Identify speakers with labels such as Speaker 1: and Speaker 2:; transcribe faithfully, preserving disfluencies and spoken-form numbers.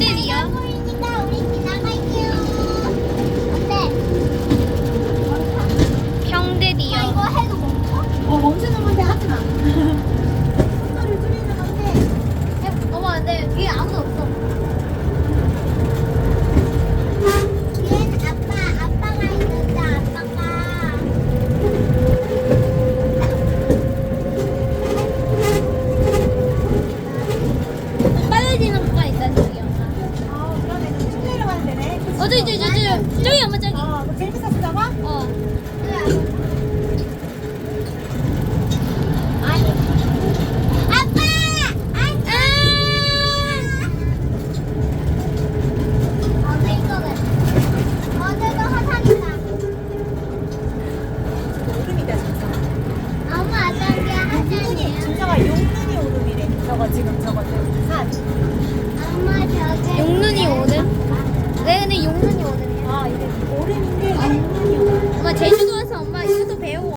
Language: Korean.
Speaker 1: 형들이요?
Speaker 2: 보이니까 우리 지나갈게요. 어때?
Speaker 1: 형들이요?
Speaker 2: 아, 이거 해도 멈춰?
Speaker 3: 어 멈추는 건데 하지 마. 속도를 줄이는 건데.
Speaker 2: 어머, 근데 위에 아무도 없어. 뒤에는 아빠, 아빠가 있는데 아빠가.
Speaker 1: 빨라지는 거가 있다 저기 엄마.
Speaker 3: 아 그러네. 쭉 내려가면 되네.
Speaker 1: 어 저기 저기 저기 저기 저기 엄마 저기.
Speaker 3: 어 그럼 재밌었어 저거?
Speaker 1: 어.
Speaker 2: 아니. 아빠! 아! 어제 이거는. 어제도 화산이다.
Speaker 3: 오름이다 진짜.
Speaker 2: 엄마, 어떤 게
Speaker 3: 용눈이
Speaker 2: 화산이야?
Speaker 3: 진짜가 용눈이 오름이래. 저거 지금 저거 산.
Speaker 2: 엄마, 저게.